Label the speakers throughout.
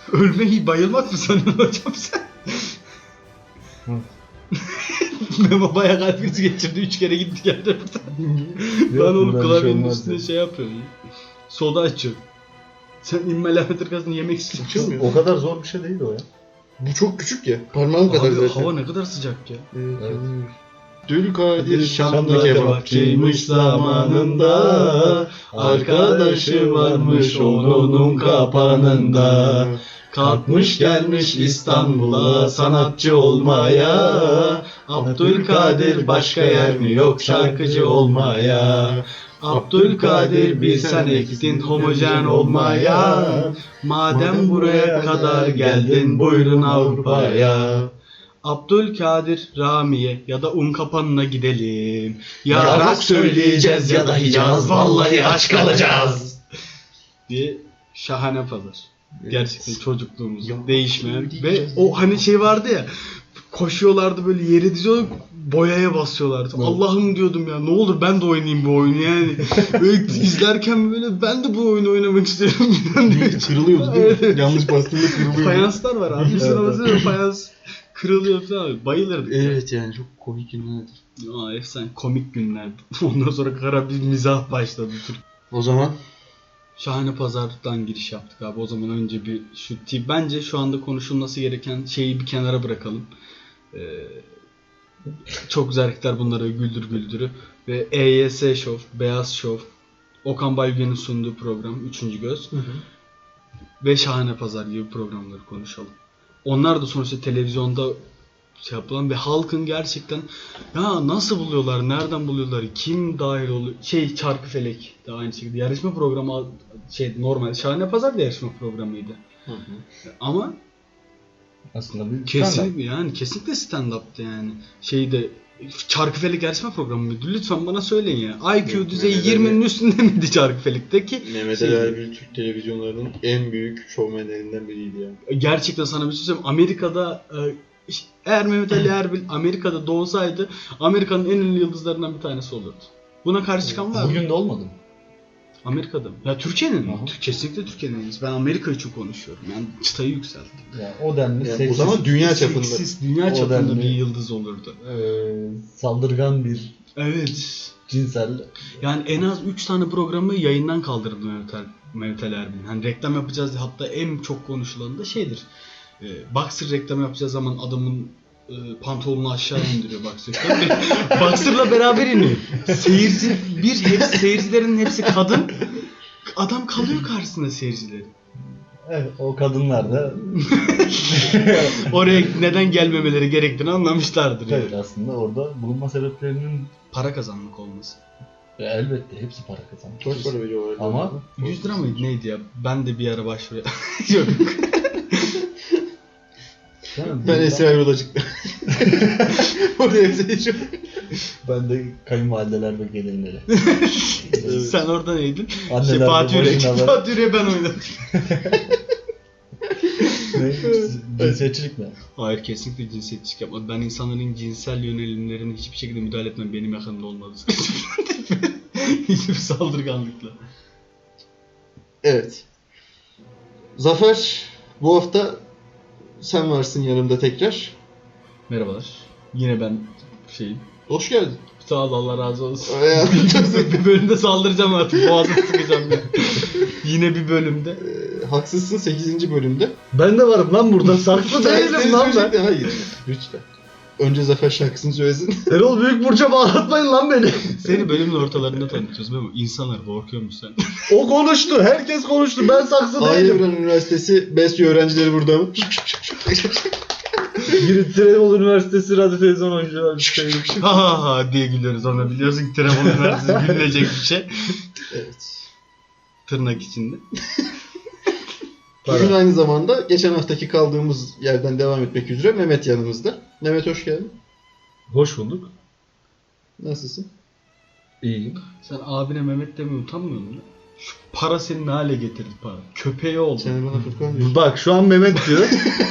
Speaker 1: Ölmeyi bayılmak mı sanıyorsun hocam sen? Memo bayağı kalp krizi geçirdi. 3 kere gitti geldi burada. Lan oğlum klavyenin üstüne şey yapıyor. Soda açıyor. Sen İmmel Ahmet Irgaz'ın yemek istiyorsun.
Speaker 2: O kadar zor bir şey değil o ya.
Speaker 3: Bu çok küçük ya. Parmağım kadar
Speaker 1: Abi
Speaker 3: zaten.
Speaker 1: hava ne kadar sıcak ya.
Speaker 3: Evet. Dülkadir
Speaker 2: Şanlı
Speaker 3: Şanlı kebapçıymış zamanında, arkadaşı varmış onun kapanında. Kalkmış gelmiş İstanbul'a sanatçı olmaya, Abdülkadir başka yer mi yok şarkıcı olmaya. Abdülkadir bir sen ektin homojen olmaya, madem buraya kadar geldin buyurun Avrupa'ya. Abdülkadir Rami'ye ya da Unkapanı'na gidelim. Ya rock söyleyeceğiz ya da Hicaz, vallahi aç kalacağız diye şahane pazar. Gerçekten çocukluğumuzun değişmeyen ve o hani şey vardı ya, koşuyorlardı böyle yere diziyorlar, boyaya basıyorlardı. Evet. Allah'ım diyordum ya, ne olur ben de oynayayım bu oyunu yani. Böyle izlerken böyle ben de bu oyunu oynamak istiyorum. Kırılıyordu değil mi? Yanlış bastığında kırılıyordu.
Speaker 1: Fayanslar var abi. Üstüne fayans kırılıyor falan. Bayılırdık.
Speaker 3: Evet yani çok komik günlerdir.
Speaker 1: Aa efsane komik günlerdi. Ondan sonra kara bir mizah başladı.
Speaker 3: O zaman
Speaker 1: Şahane Pazar'dan giriş yaptık abi. O zaman önce bir bence şu anda konuşulması gereken şeyi bir kenara bırakalım. Çok güzel hareketler bunları güldür güldürü ve EYS Show, Beyaz Show, Okan Bayülgen'in sunduğu program 3. Göz ve Şahane Pazar gibi programları konuşalım. Onlar da sonuçta televizyonda şey yapılan ve halkın gerçekten ya nasıl buluyorlar, nereden buluyorlar, kim dahil oluyor, Çarkıfelek de aynı şekilde yarışma programı normal Şahane Pazar da yarışma programıydı. Hı. Ama
Speaker 2: aslında bir
Speaker 1: kesinlikle yani kesinlikle stand-up'tı yani. Çarkıfelek yarışma programı mıydı? Lütfen bana söyleyin ya. IQ düzeyi 20'nin üstünde miydi Çarkıfelek'teki?
Speaker 3: Mehmet Ali Erbil Türk televizyonlarının en büyük şovmenlerinden biriydi yani.
Speaker 1: Gerçekten sana bir şey söyleyeyim. Amerika'da eğer Mehmet Ali Erbil Amerika'da doğsaydı Amerika'nın en ünlü yıldızlarından bir tanesi olurdu. Buna karşı çıkan var mı?
Speaker 2: Bugün de olmadı mı?
Speaker 1: Amerika'da mı? Ya Türkiye'nin mi? Kesinlikle Türkiye'nin en iyisi. Ben Amerika için konuşuyorum. Yani çıtayı yükselttim.
Speaker 2: Ya o denli
Speaker 3: yani o zaman dünya çapında.
Speaker 1: Dünya çapında bir yıldız olurdu.
Speaker 2: Saldırgan bir cinsel.
Speaker 1: Yani en az 3 tane programı yayından kaldırdı Mehmet Ali Erbil. Hani reklam yapacağız diye, hatta en çok konuşulanı da şeydir. Boxer reklamı yapacağı zaman adamın pantolonunu aşağı indiriyor Boxer. Boxer'la beraber iniyor. Seyircilerin hepsi kadın. Adam kalıyor karşısında seyircileri.
Speaker 2: Evet, o kadınlar da
Speaker 1: oraya neden gelmemeleri gerektiğini anlamışlardır.
Speaker 2: Evet yani. Aslında orada bulunma sebeplerinin
Speaker 1: para kazanmak olması.
Speaker 2: Elbette hepsi para kazanmak.
Speaker 3: Çok para veriyorlar.
Speaker 2: Ama
Speaker 1: 100 lira mıydı neydi ya? Ben de bir ara başvuruya. Yok.
Speaker 3: Ben Esra Erol'a çıktım. Oraya seçiyorum.
Speaker 2: Ben de kayınvalideler ve gelinleri.
Speaker 1: Sen orada neydin?
Speaker 2: Anneler
Speaker 1: Fatih Yürek'e ben oynadım.
Speaker 2: Cinsiyetçilik mi?
Speaker 1: Hayır, kesinlikle cinsiyetçilik yapmadım. Ben insanların cinsel yönelimlerine hiçbir şekilde müdahale etmem. Benim yakınımda olmadı. Hiçbir saldırganlıkla.
Speaker 3: Evet. Zafer, bu hafta sen varsın yanımda tekrar.
Speaker 1: Merhabalar. Yine ben
Speaker 3: Hoş geldin.
Speaker 1: Sağ ol, Allah razı olsun. Bir bölümde saldıracağım artık. Boğazını sıkacağım ya. Yine bir bölümde.
Speaker 3: Haksızsın, 8. bölümde.
Speaker 2: Ben de varım lan burada. Saklı değilim lan ben.
Speaker 3: Hayır. Lütfen. Önce Zafer şarkısını söylesin.
Speaker 2: Erol Büyükburç'a bağlatmayın lan beni.
Speaker 1: Seni bölümün ortalarında tanıtıyoruz değil mi? İnsanlar korkuyormuş sen.
Speaker 2: O konuştu. Herkes konuştu. Ben saksı değilim.
Speaker 3: Aydın Üniversitesi BESYO öğrencileri burada mı?
Speaker 2: Trenbolu Üniversitesi Radyo Televizyon Oyuncuları.
Speaker 1: Ha diye gülüyoruz ona, biliyorsun ki Trenbolu Üniversitesi gülünecek bir şey.
Speaker 3: Evet.
Speaker 1: Tırnak içinde.
Speaker 3: Bugün aynı zamanda geçen haftaki kaldığımız yerden devam etmek üzere Mehmet yanımızda. Mehmet hoş geldin.
Speaker 2: Hoş bulduk.
Speaker 3: Nasılsın?
Speaker 2: İyiyim.
Speaker 1: Sen abine Mehmet demeye utanmıyor musun? Şu para seni ne hale getirdi para? Köpeği oldu.
Speaker 3: Sen bana Furkan diyorsun.
Speaker 2: Bak şu an Mehmet diyor.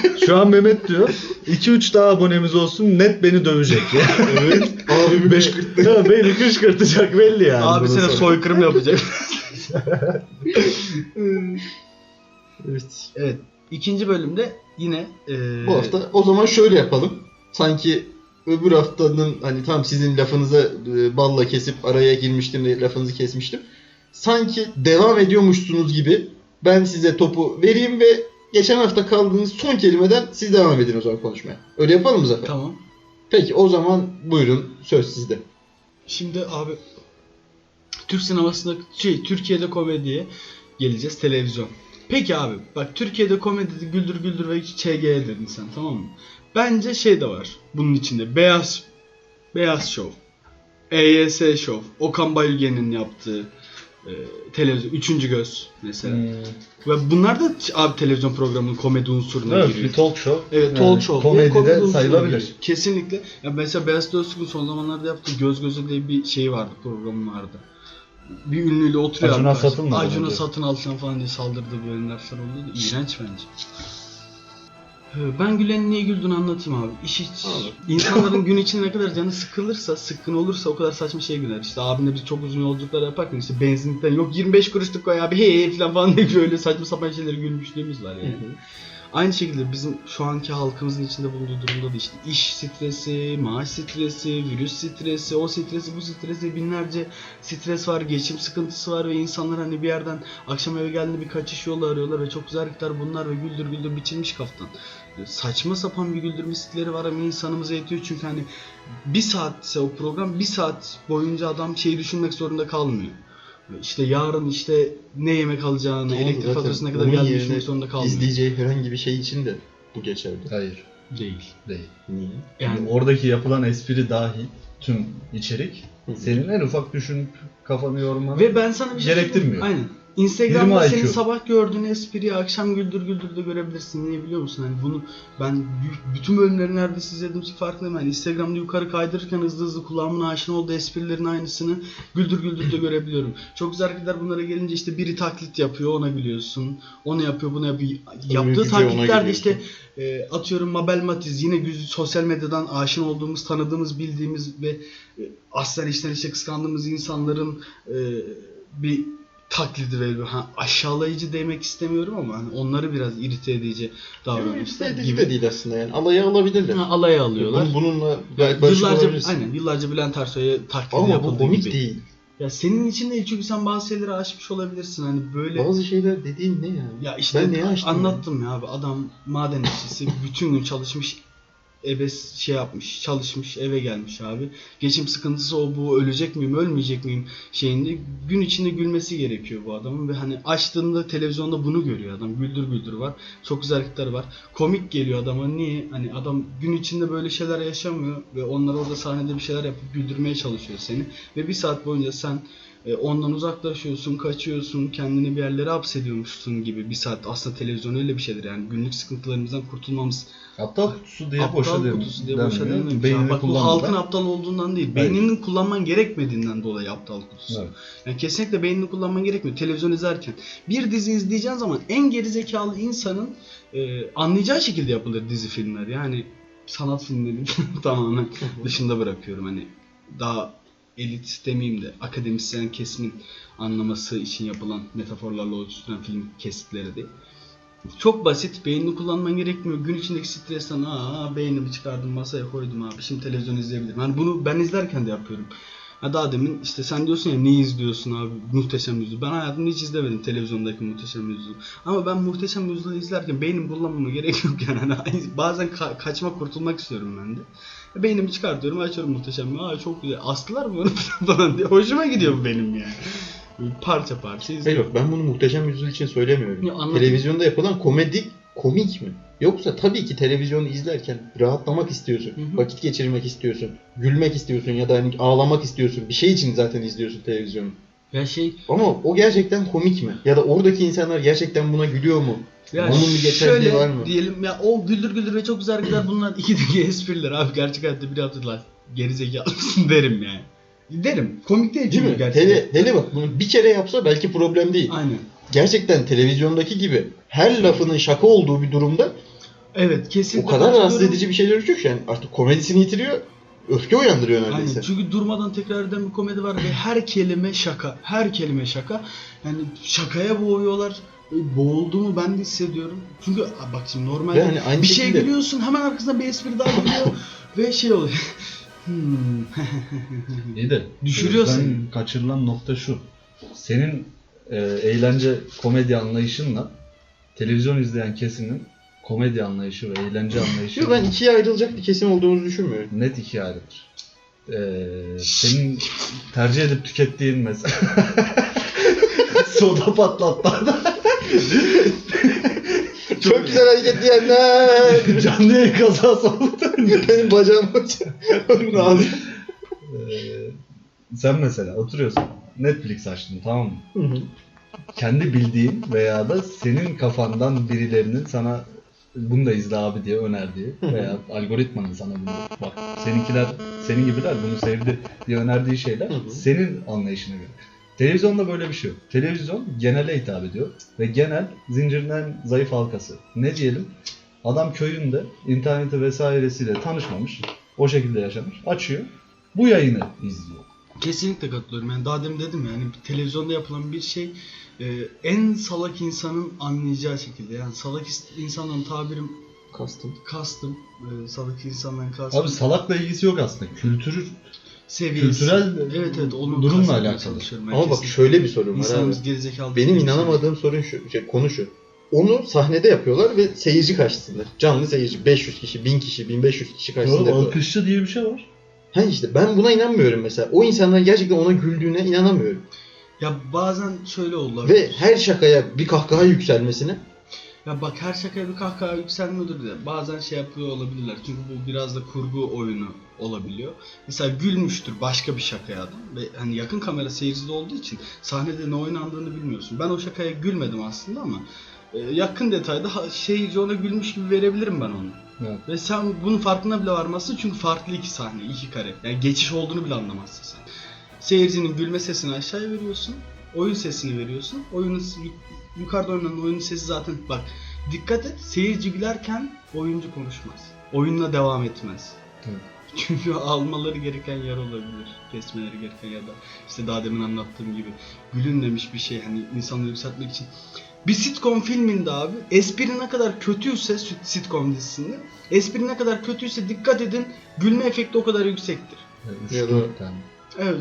Speaker 2: 2-3 daha abonemiz olsun, net beni dövecek ya.
Speaker 3: Evet. Abimi 5.40'tı.
Speaker 2: Ya beni kışkırtacak belli yani.
Speaker 1: Abi sana soykırım yapacak.
Speaker 3: Evet.
Speaker 1: Evet. İkinci bölümde yine
Speaker 3: Bu hafta o zaman şöyle yapalım. Sanki öbür haftanın hani tam sizin lafınıza balla kesip araya girmiştim de lafınızı kesmiştim. Sanki devam ediyormuşsunuz gibi ben size topu vereyim ve geçen hafta kaldığınız son kelimeden siz devam edin o zaman konuşmaya. Öyle yapalım mı Zafer?
Speaker 1: Tamam.
Speaker 3: Peki o zaman buyurun, söz sizde.
Speaker 1: Şimdi abi Türk sinemasında Türkiye'de komediye geleceğiz, televizyon. Peki abi bak, Türkiye'de komedide Güldür Güldür ve ÇG dedin sen, tamam mı? Bence şey de var bunun içinde, Beyaz Show, EYS Show, Okan Bayülgen'in yaptığı televizyon, Üçüncü Göz mesela. Ve bunlar da abi televizyon programının komedi unsuruna
Speaker 2: Evet,
Speaker 1: giriyor.
Speaker 2: bir talk show.
Speaker 1: Evet, talk show.
Speaker 2: Komedi
Speaker 1: Komedi
Speaker 2: de
Speaker 1: unsuruna
Speaker 2: sayılabilir.
Speaker 1: giriyor. Kesinlikle. Ya mesela Beyaz Öztürk'ün son zamanlarda yaptığı Göz Göze diye bir şey vardı, programı vardı. Bir ünlüyle oturuyor.
Speaker 2: Acun'a
Speaker 1: arkadaş.
Speaker 2: satın mı?
Speaker 1: Acun'a
Speaker 2: Bence.
Speaker 1: satın alsan falan diye saldırdığı bölümler falan oldu. İğrenç bence. Ben Gülen'in niye güldüğünü anlatayım abi. İnsanların gün içinde ne kadar canı sıkılırsa, sıkkın olursa o kadar saçma şey güler. İşte abimle biz çok uzun yolculuklar yaparken işte benzinlikten yok 25 kuruşluk koy abi hey falan diye böyle saçma sapan şeyleri gülmüşlüğümüz var yani. Aynı şekilde bizim şu anki halkımızın içinde bulunduğu durumda da işte iş stresi, maaş stresi, virüs stresi, o stresi, bu stresi, binlerce stres var, geçim sıkıntısı var ve insanlar hani bir yerden akşam eve geldiğinde bir kaçış yolu arıyorlar ve çok güzel hareketler bunlar ve güldür güldür biçilmiş kaftan. Saçma sapan bir güldürme stilleri var ama insanımıza yetiyor çünkü hani bir saatse o program, bir saat boyunca adam şeyi düşünmek zorunda kalmıyor. İşte yarın işte ne yemek alacağını,
Speaker 3: Tamam,
Speaker 1: elektrik
Speaker 3: zaten
Speaker 1: faturasına kadar
Speaker 3: onun
Speaker 1: geldiğini
Speaker 3: yerine
Speaker 1: düşünmek zorunda kalmıyor.
Speaker 3: İzleyeceği herhangi bir şey için de bu geçerli.
Speaker 2: Hayır.
Speaker 1: Değil.
Speaker 2: Değil.
Speaker 3: Niye?
Speaker 1: Yani
Speaker 2: Oradaki yapılan espri dahil tüm içerik
Speaker 3: Hı.
Speaker 2: senin en ufak düşünüp kafanı yormanı
Speaker 1: ve ben sana bir şey
Speaker 2: gerektirmiyor.
Speaker 1: Aynen. Instagram'da
Speaker 2: 20
Speaker 1: senin
Speaker 2: IQ.
Speaker 1: sabah gördüğün espriyi akşam güldür güldür de görebilirsin. Niye biliyor musun? Hani bunu ben bütün bölümleri neredeyse izlediğim için farkındayım. Yani Instagram'da yukarı kaydırırken hızlı hızlı kulağımın aşina olduğu esprilerin aynısını güldür güldür de görebiliyorum. Çok güzel hareketler bunlara gelince işte biri taklit yapıyor, ona gülüyorsun. Onu yapıyor, bunu yapıyor. Yaptığı
Speaker 3: gücü ona
Speaker 1: taklitlerde
Speaker 3: gülüyorsun.
Speaker 1: işte atıyorum Mabel Matiz, yine sosyal medyadan aşina olduğumuz, tanıdığımız, bildiğimiz ve aslen içten içe kıskandığımız insanların bir taklidi veriyor. Aşağılayıcı demek istemiyorum ama hani onları biraz irite edici davranışlar
Speaker 3: İşte
Speaker 1: gibi.
Speaker 3: de değil aslında yani. Alaya alabilirler.
Speaker 1: Alaya alıyorlar.
Speaker 3: Bununla gayet barışık olabilirsin.
Speaker 1: Yıllarca Bülent Ersoy'a taklidi
Speaker 3: Ama bu
Speaker 1: yapıldığı
Speaker 3: komik
Speaker 1: gibi.
Speaker 3: değil.
Speaker 1: Ya senin için değil çünkü sen bazı şeyleri aşmış olabilirsin hani böyle.
Speaker 3: Bazı şeyler dediğin ne ya?
Speaker 1: Ya işte
Speaker 3: Ben neye açtım
Speaker 1: anlattım ya abi, adam maden işçisi bütün gün çalışmış, çalışmış, eve gelmiş abi. Geçim sıkıntısı o bu, ölecek miyim, ölmeyecek miyim şeyinde gün içinde gülmesi gerekiyor bu adamın ve hani açtığında televizyonda bunu görüyor adam. Güldür güldür var. Çok güzel hareketler var. Komik geliyor adama. Niye? Hani adam gün içinde böyle şeyler yaşamıyor ve onlar orada sahnede bir şeyler yapıp güldürmeye çalışıyor seni ve bir saat boyunca sen ondan uzaklaşıyorsun, kaçıyorsun, kendini bir yerlere hapsediyormuşsun gibi bir saat. Aslında televizyon öyle bir şeydir yani günlük sıkıntılarımızdan kurtulmamız.
Speaker 2: Aptal kutusu diye
Speaker 1: Aptal
Speaker 2: boşa
Speaker 1: kutusu diye boşa denmiyor.
Speaker 2: Beynini
Speaker 1: Bak bu
Speaker 2: kullanmadan.
Speaker 1: halkın aptal olduğundan değil.
Speaker 2: Hayır.
Speaker 1: Beyninin kullanman gerekmediğinden dolayı aptal kutusu.
Speaker 2: Evet.
Speaker 1: Yani kesinlikle beynini kullanman gerekmiyor. Televizyon izlerken. Bir dizi izleyeceğin zaman en gerizekalı insanın anlayacağı şekilde yapılır dizi filmler. Yani sanat filmleri tamamen dışında bırakıyorum. Hani daha elit demeyeyim de akademisyen kesimin anlaması için yapılan metaforlarla oluşturulan film kesitleri değil. Çok basit, beynini kullanman gerekmiyor. Gün içindeki stresten beynimi çıkardım masaya koydum abi. Şimdi televizyon izleyebilirim. Yani bunu ben izlerken de yapıyorum. Daha demin işte sen diyorsun ya niye izliyorsun abi Muhteşem Yüzyıl. Ben hayatımda hiç izlemedim televizyondaki Muhteşem Yüzyıl. Ama ben Muhteşem Yüzyıl'ı izlerken beynimi kullanmama gerek yok yani. Bazen kaçmak, kurtulmak istiyorum ben de. Beynimi çıkartıyorum, açıyorum Muhteşem Yüzyıl'ı. Çok güzel. Astılar mı onu falan diye. Hoşuma gidiyor bu benim yani. Parça parça izliyorum.
Speaker 3: Yok, ben bunu Muhteşem Yüzyıl için söylemiyorum.
Speaker 1: Ya, anladım.
Speaker 3: Televizyonda yapılan komik mi? Yoksa tabii ki televizyonu izlerken rahatlamak istiyorsun,
Speaker 1: Hı hı.
Speaker 3: vakit geçirmek istiyorsun, gülmek istiyorsun ya da hani ağlamak istiyorsun. Bir şey için zaten izliyorsun televizyonu.
Speaker 1: Ya
Speaker 3: Ama o gerçekten komik mi? Ya da oradaki insanlar gerçekten buna gülüyor mu?
Speaker 1: ya
Speaker 3: Onun bir geçerliği var mı?
Speaker 1: diyelim ya, o güldür güldür ve çok güzel hareketler bunlar ikideki espriler abi, gerçek hayatta biri hatırlar. Gerizekalı mısın derim yani. Derim. Komik değil
Speaker 3: Değil
Speaker 1: çünkü
Speaker 3: mi?
Speaker 1: gerçekten.
Speaker 3: Hele bak bunu bir kere yapsa belki problem değil.
Speaker 1: Aynen.
Speaker 3: Gerçekten televizyondaki gibi her lafının şaka olduğu bir durumda
Speaker 1: Evet, kesinlikle.
Speaker 3: o kadar rahatsız
Speaker 1: katılıyorum.
Speaker 3: edici bir şeyler ürküyor ki yani artık komedisini yitiriyor, öfke uyandırıyor neredeyse.
Speaker 1: Aynen. Çünkü durmadan tekrar eden bir komedi var ve her kelime şaka. Her kelime şaka. Yani şakaya boğuyorlar. boğulduğumu ben de hissediyorum. Çünkü bak şimdi
Speaker 3: Ve
Speaker 1: normalde
Speaker 3: hani aynı
Speaker 1: bir şeye
Speaker 3: şekilde-
Speaker 1: gülüyorsun, hemen arkasında bir espri daha geliyor ve şey oluyor.
Speaker 2: İyi de
Speaker 1: Düşürüyor
Speaker 2: ben
Speaker 1: seni.
Speaker 2: kaçırılan nokta şu. Senin eğlence komedi anlayışınla televizyon izleyen kesimin komedi anlayışı ve eğlence anlayışı
Speaker 3: Yok, ben ikiye ayrılacak bir kesim olduğumuzu düşünmüyorum.
Speaker 2: net ikiye ayrılır. Senin tercih edip tükettiğin mesela soda patlatmadan
Speaker 3: Çok güzel hareket diyenler.
Speaker 2: canlı yayın kazası oldu.
Speaker 3: Benim bacağım onun ağzı.
Speaker 2: Sen mesela oturuyorsun, Netflix açtın, tamam mı? Kendi bildiğin veya da senin kafandan birilerinin sana bunu da izle abi diye önerdiği veya algoritmanın sana bunu bak seninkiler, senin gibiler bunu sevdi diye önerdiği şeyler senin anlayışına göre. Televizyonda böyle bir şey yok. Televizyon genele hitap ediyor ve genel zincirin en zayıf halkası. Ne diyelim? Adam köyünde interneti vesairesiyle tanışmamış, o şekilde yaşamış, açıyor, bu yayını izliyor.
Speaker 1: Kesinlikle katılıyorum. Yani daha demin dedim yani televizyonda yapılan bir şey en salak insanın anlayacağı şekilde. Yani salak insanların tabirim kastım. Salak insanların kastım.
Speaker 2: Abi salakla ilgisi yok aslında.
Speaker 1: Seviyesi.
Speaker 2: Kültürel
Speaker 1: evet onu
Speaker 2: durumla
Speaker 1: kastetmeye
Speaker 2: alakalı.
Speaker 1: çalışıyorum ben
Speaker 3: Ama bak
Speaker 1: kesinlikle.
Speaker 3: şöyle bir sorun var abi.
Speaker 1: İnsanımız gerizekalı.
Speaker 3: Benim
Speaker 1: değil mi?
Speaker 3: inanamadığım sorun şu, konu şu. Onu sahnede yapıyorlar ve seyirci karşısında. Canlı seyirci 500 kişi, 1000 kişi, 1500 kişi karşısında
Speaker 2: Oğlum,
Speaker 3: yapıyorlar.
Speaker 2: alkışçı diye bir şey var.
Speaker 3: Ha işte ben buna inanmıyorum mesela. O insanların gerçekten ona güldüğüne inanamıyorum.
Speaker 1: Ya bazen şöyle oldu.
Speaker 3: Ve her şakaya bir kahkaha yükselmesine.
Speaker 1: Ya bak her şakaya bir kahkaha yükselmiyordur de bazen şey yapıyor olabilirler. Çünkü bu biraz da kurgu oyunu olabiliyor. Mesela gülmüştür başka bir şakaya adam ve hani yakın kamera seyircide olduğu için sahnede ne oynandığını bilmiyorsun. Ben o şakaya gülmedim aslında ama yakın detayda seyirci ona gülmüş gibi verebilirim ben onu.
Speaker 2: Evet.
Speaker 1: Ve sen bunun farkına bile varmazsın çünkü farklı iki sahne, iki kare. Yani geçiş olduğunu bile anlamazsın sen. Seyircinin gülme sesini aşağıya veriyorsun, oyun sesini veriyorsun. Yukarıda oynanan oyunun sesi zaten bak dikkat et, seyirci gülerken oyuncu konuşmaz. Oyunla devam etmez.
Speaker 2: Evet.
Speaker 1: Çünkü almaları gereken yer olabilir. Kesmeleri gereken ya da işte daha demin anlattığım gibi gülünmemiş bir şey hani insanları yükseltmek için. Bir sitcom filminde abi espri ne kadar kötüyse sitcom dizisinde espri ne kadar kötüyse dikkat edin gülme efekti o kadar yüksektir.
Speaker 3: Ya da-
Speaker 2: 3-4 tane.
Speaker 1: Evet.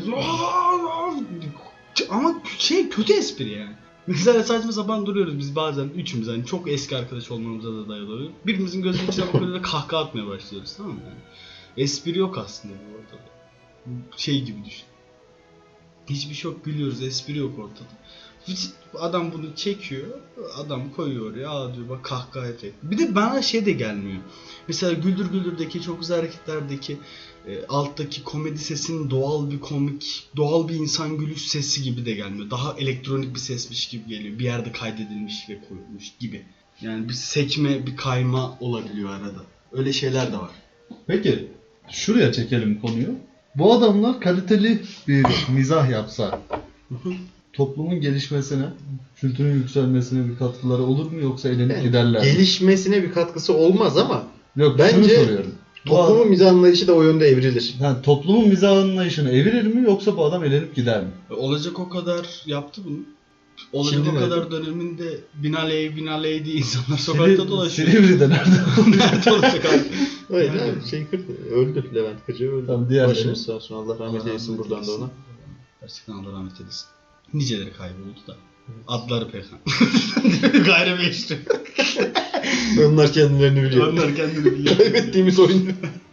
Speaker 1: Ama şey kötü espri yani. Mesela saçma sapan duruyoruz biz bazen üçümüz hani çok eski arkadaş olmamıza da dayalı oluyor. Birimizin gözünün içine bakıyoruz ve kahkaha atmaya başlıyoruz, tamam mı yani? Espri yok aslında bu ortada. Şey gibi düşün. Hiçbir şey yok, gülüyoruz, espri yok ortada. Adam bunu çekiyor, adam koyuyor oraya, aa diyor bak kahkaha efekti. Bir de bana şey de gelmiyor. Mesela Güldür Güldür'deki çok güzel hareketlerdeki alttaki komedi sesinin doğal bir insan gülüş sesi gibi de gelmiyor. Daha elektronik bir sesmiş gibi geliyor. Bir yerde kaydedilmiş ve koyulmuş gibi. Yani bir sekme, bir kayma olabiliyor arada. Öyle şeyler de var.
Speaker 2: Peki şuraya çekelim konuyu. Bu adamlar kaliteli bir mizah yapsa toplumun gelişmesine, kültürün yükselmesine bir katkıları olur mu yoksa elenip
Speaker 3: Yani
Speaker 2: giderler mi?
Speaker 3: gelişmesine bir katkısı olmaz ama
Speaker 2: Yok,
Speaker 3: bence
Speaker 2: şunu soruyorum.
Speaker 3: toplumun mizah anlayışı da o yönde evrilir.
Speaker 2: Yani toplumun mizah anlayışını evirir mi yoksa bu adam elenip gider mi?
Speaker 1: Olacak o kadar yaptı bunu. Olacak
Speaker 3: Şimdi
Speaker 1: o kadar
Speaker 3: nerede?
Speaker 1: döneminde binaley diye insanlar sokakta dolaşıyor.
Speaker 2: Silivri'de nerede?
Speaker 1: Nerede olacak abi?
Speaker 3: Öyle
Speaker 1: Yani-
Speaker 3: abi, şey kırdı. Öldü. Levent Kırcı öldü.
Speaker 2: Tamam, diğerleri?
Speaker 3: Başımız sağ olsun. Allah rahmet eylesin buradan da ona.
Speaker 1: Gerçekten Allah rahmet eylesin. Niceleri kayboldu da. Adları Peyhan. Gayrimeşru.
Speaker 3: Onlar kendilerini biliyor.
Speaker 1: Onlar kendini biliyor.
Speaker 3: Kaybettiğimiz oyun.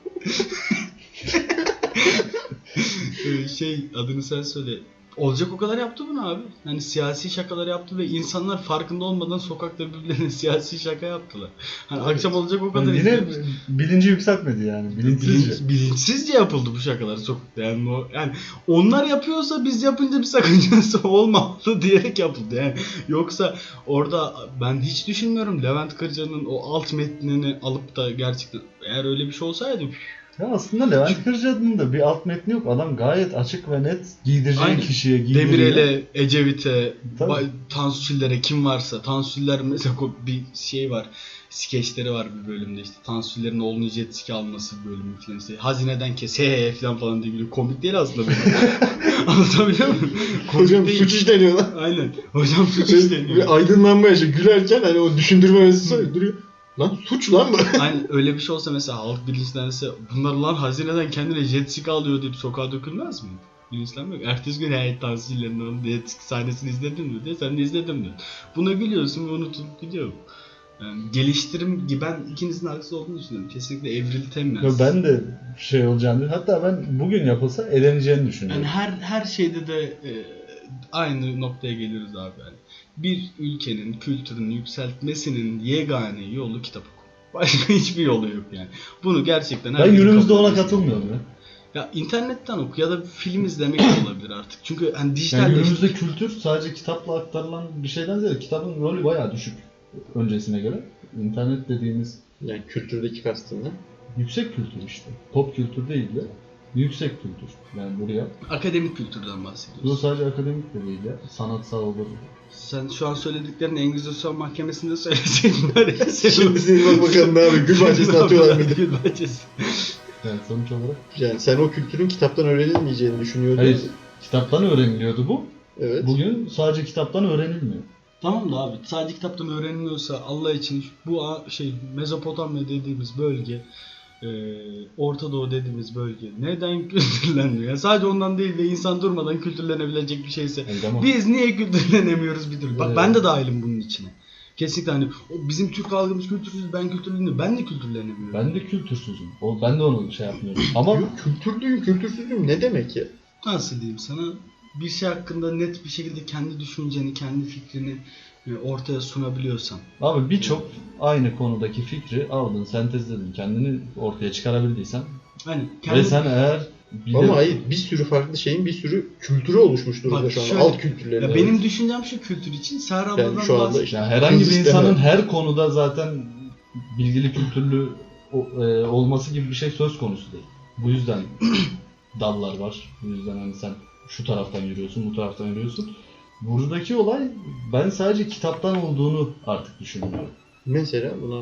Speaker 1: Adını sen söyle. Olacak o kadar yaptı bunu abi. Hani siyasi şakalar yaptı ve insanlar farkında olmadan sokakta birbirlerine siyasi şaka yaptılar. Hani
Speaker 3: Evet.
Speaker 1: akşam olacak o kadar
Speaker 2: Yani yine
Speaker 1: izliyoruz.
Speaker 2: bilinci yükseltmedi yani. Bilinçsizce.
Speaker 1: Bilinçsizce yapıldı bu şakalar sokakta. Yani onlar yapıyorsa biz yapınca bir sakıncası olmamalı diyerek yapıldı. Yani yoksa orada ben hiç düşünmüyorum Levent Kırca'nın o alt metnini alıp da gerçekten eğer öyle bir şey olsaydı
Speaker 2: Ya aslında Levent Kırca'nın da bir alt metni yok. Adam gayet açık ve net giydireceği
Speaker 1: Aynen.
Speaker 2: kişiye giydiriyor.
Speaker 1: Demirel'e, Ecevit'e,
Speaker 2: Tabii.
Speaker 1: Tansu Çiller'e kim varsa. Tansu Çiller mesela bir şey var. Skeçleri var bir bölümde işte. Tansu Çiller'in oğlunu jet ski alması bölümü falan işte. Hazineden kes falan diye gülüyor. Komik değil aslında benim. Anlatabiliyor muyum? Komik
Speaker 3: Hocam
Speaker 1: değil.
Speaker 3: suç işleniyor lan.
Speaker 1: Aynen. Hocam suç işleniyor.
Speaker 3: Ve aydınlanma yaşıyor. Gülerken hani o düşündürme mesajı duruyor. Lan suç lan bu.
Speaker 1: Aynen öyle bir şey olsa mesela halk bilinçlense bunlar lan hazineden kendine jet ski alıyor deyip sokağa dökülmez mi? Bilinçlenmiyor. Ertesi gün heyet tansiyelerinin onun jet ski sahnesini izledin mi diye sen de izledim de. Buna gülüyorsun ve unutup gidiyor. Yani geliştirim gibi ben ikinizin haksız olduğunu düşünüyorum. Kesinlikle evriltemez.
Speaker 2: Ya ben de şey olacağını, hatta ben bugün yapılsa eleneceğini düşünüyorum.
Speaker 1: Yani her şeyde de aynı noktaya geliyoruz abi yani. Bir ülkenin kültürünü yükseltmesinin yegane yolu kitap okuma. Başka hiçbir yolu yok yani. Bunu gerçekten
Speaker 2: Ben
Speaker 1: herkes
Speaker 2: günümüzde
Speaker 1: kabul
Speaker 2: ona
Speaker 1: etmesi
Speaker 2: katılmıyorum
Speaker 1: gerekiyor.
Speaker 2: ya.
Speaker 1: Ya internetten oku ya da film izlemek de olabilir artık. Çünkü hani
Speaker 2: Yani
Speaker 1: dijitalleşti.
Speaker 2: günümüzde kültür sadece kitapla aktarılan bir şeyden ziyade kitabın rolü bayağı düşük öncesine göre. İnternet dediğimiz
Speaker 3: Yani kültürdeki kastın ne?
Speaker 2: yüksek kültür işte. Pop kültür değil de yüksek kültür. Yani buraya.
Speaker 1: Akademik kültürden
Speaker 2: Bu
Speaker 1: bahsediyoruz.
Speaker 2: sadece akademik de değil ya. Sanatsal olur.
Speaker 1: Sen şu an söylediklerini Engizisyon mahkemesinde söyleseydin var ya.
Speaker 3: Şimdi senin bak bakalım ne abi gül bahçesine atıyorlar mıydı?
Speaker 1: Gül bahçesi.
Speaker 2: Yani sonuç olarak.
Speaker 3: Yani sen o kültürün kitaptan öğrenilmeyeceğini düşünüyordun.
Speaker 2: Hayır. Kitaptan öğreniliyordu bu.
Speaker 3: Evet.
Speaker 2: Bugün sadece kitaptan öğrenilmiyor.
Speaker 1: Tamam da abi sadece kitaptan öğreniliyorsa Allah için bu Mezopotamya dediğimiz bölge, Orta Doğu dediğimiz bölge neden kültürlenmiyor? Yani sadece ondan değil de insan durmadan kültürlenebilecek bir şeyse
Speaker 2: Yani tamam.
Speaker 1: biz niye kültürlenemiyoruz bir türlü? Bak
Speaker 2: Evet.
Speaker 1: ben de dahilim bunun içine. Kesinlikle hani bizim Türk halkımız kültürsüz, ben kültürleniyorum. Ben de kültürlenemiyorum.
Speaker 2: Ben de kültürsüzüm. Ben de onu şey yapmıyorum. Ama
Speaker 3: Yok, kültürlüyüm, kültürsüzlüyüm ne demek ya?
Speaker 1: Nasıl diyeyim sana? Bir şey hakkında net bir şekilde kendi düşünceni, kendi fikrini ortaya sunabiliyorsan.
Speaker 2: abi birçok aynı konudaki fikri aldın, sentezledin, kendini ortaya çıkarabildiysen
Speaker 1: Hani
Speaker 2: ve
Speaker 1: kendi
Speaker 2: sen eğer
Speaker 3: Ama hayır bir sürü farklı şeyin bir sürü kültürü oluşmuş durumda
Speaker 1: Bak
Speaker 3: şu anda.
Speaker 1: şöyle,
Speaker 3: Alt kültürleri.
Speaker 1: ya benim düşüncem şu kültür için Serra
Speaker 3: Yani
Speaker 1: abladan
Speaker 3: şu anda
Speaker 1: bahsediyorum.
Speaker 3: işte
Speaker 2: yani herhangi bir
Speaker 3: sisteme-
Speaker 2: insanın her konuda zaten bilgili, kültürlü olması gibi bir şey söz konusu değil. Bu yüzden dallar var. Bu yüzden hani sen şu taraftan yürüyorsun, bu taraftan yürüyorsun. Buradaki olay ben sadece kitaptan olduğunu artık düşünüyorum.
Speaker 3: Mesela buna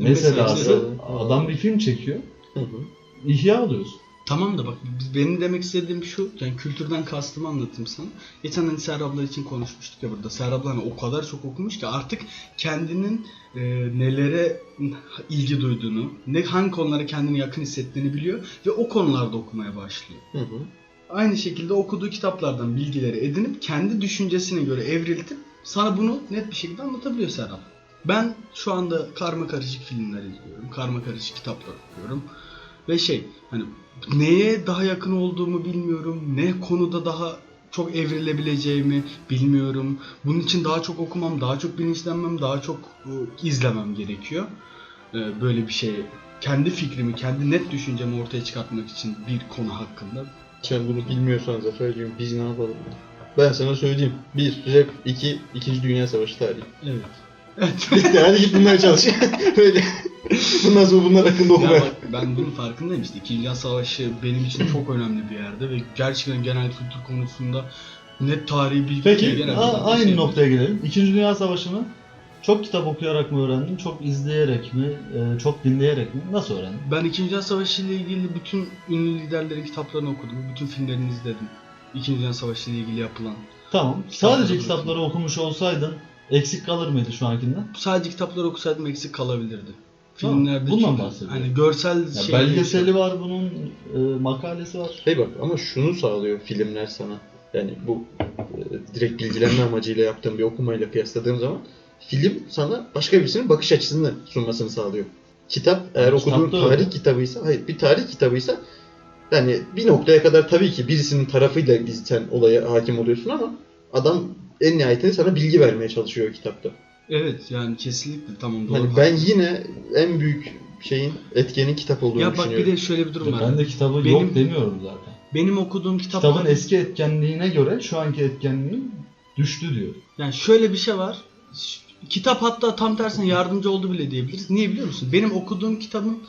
Speaker 2: Mesela adam bir film çekiyor,
Speaker 3: hı hı.
Speaker 2: ihya oluyorsun.
Speaker 1: Tamam da bak benim demek istediğim şu, yani kültürden kastımı anlatayım sana. Geçen hani Serra abla için konuşmuştuk ya burada. Serra abla hani o kadar çok okumuş ki artık kendinin nelere ilgi duyduğunu, hangi konulara kendini yakın hissettiğini biliyor ve o konularda okumaya başlıyor.
Speaker 3: Hı hı.
Speaker 1: Aynı şekilde okuduğu kitaplardan bilgileri edinip kendi düşüncesine göre evriltip sana bunu net bir şekilde anlatabiliyor Serap. Ben şu anda karma karışık filmler izliyorum, karma karışık kitaplar okuyorum ve hani neye daha yakın olduğumu bilmiyorum, ne konuda daha çok evrilebileceğimi bilmiyorum. Bunun için daha çok okumam, daha çok bilinçlenmem, daha çok izlemem gerekiyor. Böyle bir şey, kendi fikrimi, kendi net düşüncemi ortaya çıkartmak için bir konu hakkında.
Speaker 3: Sen bunu bilmiyorsan Zafer diyorum biz ne yapalım? Ben sana söyleyeyim. 1. Rap 2. 2. Dünya Savaşı tarihi.
Speaker 1: Evet. Evet.
Speaker 3: Bitti hadi git bunları çalış. Böyle. Bundan sonra bunlar hakkında
Speaker 1: Ya
Speaker 3: okumaya.
Speaker 1: bak ben bunun farkındayım işte. İkinci Dünya Savaşı benim için çok önemli bir yerde ve gerçekten genel kültür konusunda net tarihi bilgi
Speaker 2: Peki
Speaker 1: genel
Speaker 2: aynı
Speaker 1: şey
Speaker 2: noktaya gelelim. İkinci Dünya Savaşı'nı çok kitap okuyarak mı öğrendin, çok izleyerek mi, çok dinleyerek mi? Nasıl öğrendin?
Speaker 1: Ben İkinci Dünya Savaşı ile ilgili bütün ünlü liderlerin kitaplarını okudum. Bütün filmlerini izledim. İkinci Dünya Savaşı ile ilgili yapılan.
Speaker 2: Tamam.
Speaker 1: Kitapları
Speaker 2: Sadece
Speaker 1: okudum.
Speaker 2: kitapları okumuş olsaydın eksik kalır mıydı şu ankinden?
Speaker 1: Sadece kitapları okusaydım eksik kalabilirdi.
Speaker 2: Tamam,
Speaker 1: Filmlerde
Speaker 2: bundan
Speaker 1: çünkü
Speaker 2: bahsediyorum.
Speaker 1: hani görsel
Speaker 2: Ya
Speaker 1: şey
Speaker 2: belgeseli var bunun, makalesi var.
Speaker 3: Hey bak ama şunu sağlıyor filmler sana. Yani bu direkt bilgilenme amacıyla yaptığım bir okumayla kıyasladığım zaman film sana başka birisinin bakış açısını sunmasını sağlıyor. Kitap eğer
Speaker 2: Ama
Speaker 3: okuduğun
Speaker 2: kitapta
Speaker 3: tarih
Speaker 2: öyle.
Speaker 3: kitabıysa, hayır bir tarih kitabıysa yani bir noktaya kadar tabii ki birisinin tarafıyla sen olaya hakim oluyorsun ama adam en nihayetinde sana bilgi vermeye çalışıyor kitapta.
Speaker 1: Evet yani kesinlikle tamam doğru.
Speaker 3: Hani ben yine en büyük etkenin kitap olduğunu
Speaker 1: ya bak bir
Speaker 3: düşünüyorum.
Speaker 1: de şöyle bir durum var.
Speaker 2: Ben de kitabı
Speaker 1: Benim-
Speaker 2: yok demiyorum zaten.
Speaker 1: Benim okuduğum kitaplar
Speaker 2: Kitabın eski etkenliğine göre şu anki etkenliği düştü diyor.
Speaker 1: yani şöyle bir şey var. Kitap hatta tam tersine yardımcı oldu bile diyebiliriz. Niye biliyor musun? Benim okuduğum kitabın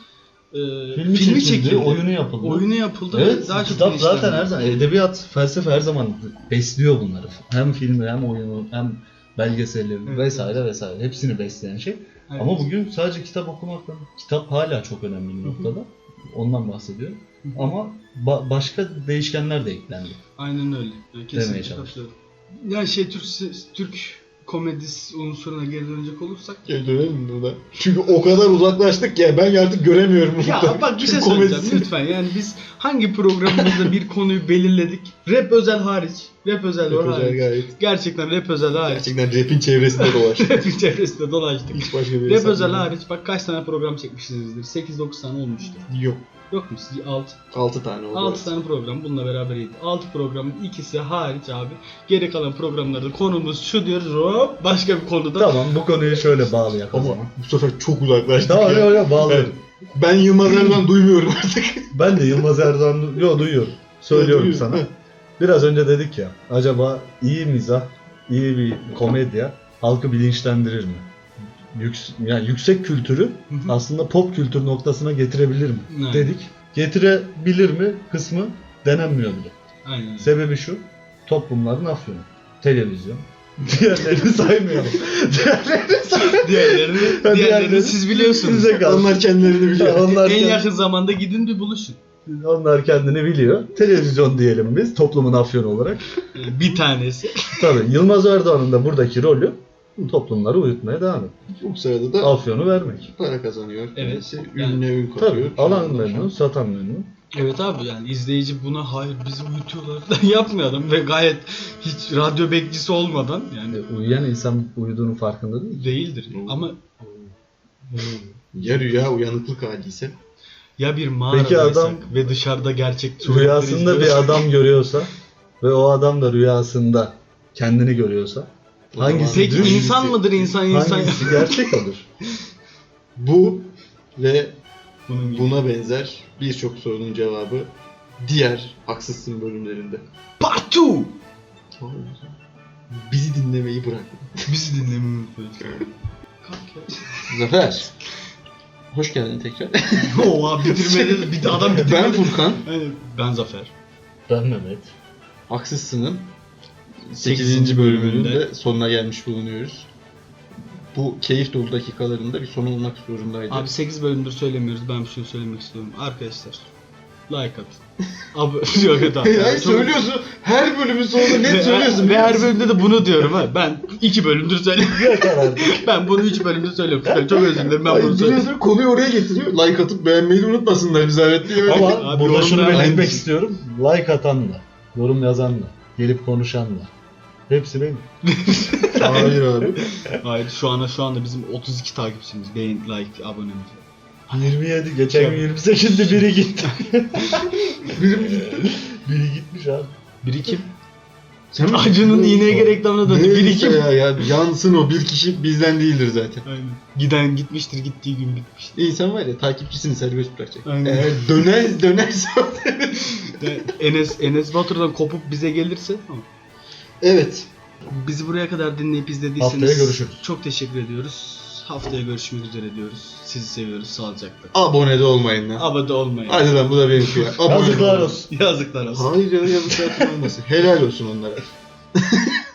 Speaker 1: filmi çekildi.
Speaker 2: oyunu yapıldı.
Speaker 1: Oyunu yapıldı.
Speaker 2: Evet,
Speaker 1: Daha çok
Speaker 2: kitap zaten
Speaker 1: bilinçlendi.
Speaker 2: her zaman, edebiyat, felsefe her zaman besliyor bunları. Hem filmi, hem oyunu, hem belgeseli
Speaker 1: Evet.
Speaker 2: vesaire vesaire. Hepsini besleyen şey.
Speaker 1: Evet.
Speaker 2: Ama bugün sadece kitap okumakla, kitap hala çok önemli bir noktada. Ondan bahsediyorum. Ama başka değişkenler de eklendi.
Speaker 1: Aynen öyle. Yani kesinlikle
Speaker 2: çalıştım.
Speaker 1: katılıyorum. Yani Türk komedisi unsuruna geri dönecek olursak.
Speaker 3: Geri dönelim mi buna? Çünkü o kadar uzaklaştık ki ben artık göremiyorum.
Speaker 1: Ya bak bir şey
Speaker 3: Türk
Speaker 1: söyleyeceğim
Speaker 3: komedisini.
Speaker 1: lütfen. Yani biz hangi programımızda bir konuyu belirledik? Rap özel hariç. Rap özel
Speaker 3: Rap özel
Speaker 1: hariç.
Speaker 3: gayet.
Speaker 1: Gerçekten rap özel hariç.
Speaker 3: Gerçekten rap'in çevresinde dolaştık.
Speaker 1: Rap'in çevresinde dolaştık.
Speaker 3: Hiç başka bir
Speaker 1: Rap
Speaker 3: hesap
Speaker 1: özel
Speaker 3: yok.
Speaker 1: hariç bak kaç tane program çekmişsinizdir? 8-9 tane olmuştur.
Speaker 3: Yok.
Speaker 1: Yok mu? 6.
Speaker 3: 6 tane oldu.
Speaker 1: 6 tane program bununla beraberiydi. 6 programın ikisi hariç abi. Geri kalan programlarda konumuz şu diyoruz. Hop başka bir konuda.
Speaker 2: Tamam, bu konuyu şöyle bağlayak o
Speaker 3: Ama
Speaker 2: zaman.
Speaker 3: bu sefer çok uzaklaştık
Speaker 2: Tamam,
Speaker 3: ya.
Speaker 2: yok bağlayalım.
Speaker 3: Evet. Ben Yılmaz Erdoğan duymuyorum artık.
Speaker 2: Ben de Yılmaz Erdoğan duyuyorum. Söylüyorum
Speaker 3: Duyuyorum.
Speaker 2: sana. Biraz önce dedik ya, acaba iyi mizah, iyi bir komedya halkı bilinçlendirir mi? Yani yüksek kültürü
Speaker 1: Hı hı.
Speaker 2: aslında pop kültür noktasına getirebilir mi?
Speaker 1: Evet.
Speaker 2: Dedik. Getirebilir mi kısmı denenmiyor bile.
Speaker 1: Aynen.
Speaker 2: Sebebi şu, toplumların afyonu. Televizyon. Diğerlerini saymıyorum.
Speaker 1: Diğerlerini siz biliyorsunuz.
Speaker 2: Size kalsın.
Speaker 3: Onlar kendilerini biliyor.
Speaker 2: Onlar
Speaker 1: En
Speaker 2: kendi-
Speaker 1: yakın zamanda gidin bir buluşun.
Speaker 2: Onlar kendini biliyor. Televizyon diyelim biz toplumun afyonu olarak.
Speaker 1: Bir tanesi.
Speaker 2: Tabii Yılmaz Erdoğan'ın da buradaki rolü toplumları uyutmaya devam etmek.
Speaker 3: Bu sırada da
Speaker 2: Afyonu vermek.
Speaker 3: para kazanıyor.
Speaker 1: Evet.
Speaker 3: Kendisi ününe ün katıyor.
Speaker 2: Tabii alan memnun, satan memnun.
Speaker 1: Evet abi yani izleyici buna hayır bizi uyutuyorlar falan yapmıyor adam ve gayet hiç radyo bekçisi olmadan yani
Speaker 2: Uyuyan insan uyuduğunun farkında değil.
Speaker 1: değildir. Ama
Speaker 3: Ya rüya uyanıklık hali ise.
Speaker 1: ya bir mağaradaysak
Speaker 2: Peki adam
Speaker 1: ve dışarıda gerçek suretleri
Speaker 2: Rüyasında bir
Speaker 1: izliyorsak-
Speaker 2: adam görüyorsa ve o adam da rüyasında kendini görüyorsa hangisi
Speaker 1: Peki
Speaker 2: düz,
Speaker 1: insan mıdır insan?
Speaker 2: hangisi gerçek olur?
Speaker 3: Bu ve
Speaker 1: Bunun gibi.
Speaker 3: buna benzer birçok sorunun cevabı diğer Haksızsın bölümlerinde.
Speaker 1: Part 2!
Speaker 3: Bizi dinlemeyi bırak.
Speaker 1: Bizi dinlemeyi unutmayın. Kalk ya.
Speaker 3: Zafer. Hoş geldin tekrar.
Speaker 1: Oha bitirmedi. Bir de adam bitirmedi.
Speaker 3: Ben Furkan.
Speaker 1: Aynen. Ben Zafer.
Speaker 2: Ben Mehmet.
Speaker 3: Haksızsın'ın
Speaker 1: 8.
Speaker 3: 8. bölümünün
Speaker 1: bölümünde
Speaker 3: de sonuna gelmiş bulunuyoruz. Bu keyif dolu dakikalarında bir son olmak zorundaydı.
Speaker 1: Abi 8 bölümdür söylemiyoruz. Ben bir şey söylemek istiyorum. Arkadaşlar like atın. Abi yok et abi.
Speaker 3: Hayır
Speaker 1: Çok-
Speaker 3: söylüyorsun. Her bölümün sonunda net söylüyorsun.
Speaker 1: Ve her bölümde de bunu diyorum ha. Ben 2 bölümdür söylüyorum.
Speaker 2: Yeter artık.
Speaker 1: Ben bunu 3 bölümdür söylüyorum. Çok özür dilerim ben
Speaker 3: Hayır,
Speaker 1: bunu söylüyorum.
Speaker 3: biliyorsun, konuyu oraya getiriyor. Like atıp beğenmeyi de unutmasınlar bir zahmet diye.
Speaker 2: Ama
Speaker 1: Abi
Speaker 2: burada şunu
Speaker 1: yorumlar-
Speaker 2: belirtmek istiyorum. Like atan da, yorum yazan da, gelip konuşan da. Hepsi benim.
Speaker 3: Hayır abi.
Speaker 1: Hayır şu anda bizim 32 takipçimiz. Beğen, like, abonemiz.
Speaker 2: 27, geçen gün 28'de biri gitti. Biri gitmiş abi.
Speaker 1: Biri kim?
Speaker 3: Sen
Speaker 1: Acun'un iğneye reklamına döndü. Biri
Speaker 3: Neyse
Speaker 1: kim?
Speaker 3: ya yansın o bir kişi bizden değildir zaten.
Speaker 1: Aynen. Giden gitmiştir, gittiği gün bitmiştir.
Speaker 3: İnsan var ya takipçisini serbest bırakacak.
Speaker 1: Aynen.
Speaker 3: Eğer dönerse
Speaker 1: Enes Batur'dan kopup bize gelirse tamam.
Speaker 3: evet.
Speaker 1: Bizi buraya kadar dinleyip izlediyseniz
Speaker 2: Haftaya görüşürüz.
Speaker 1: çok teşekkür ediyoruz. Haftaya görüşmek üzere diyoruz. Sizi seviyoruz. Sağlıcakla.
Speaker 3: Abone de olmayın lan.
Speaker 1: Abone olmayın.
Speaker 3: Hadi lan bu da benim ya. Abone
Speaker 2: Yazıklar
Speaker 3: olun.
Speaker 2: olsun.
Speaker 1: Yazıklar olsun.
Speaker 3: Hayır ya yazıklar olmasın. Helal olsun onlara.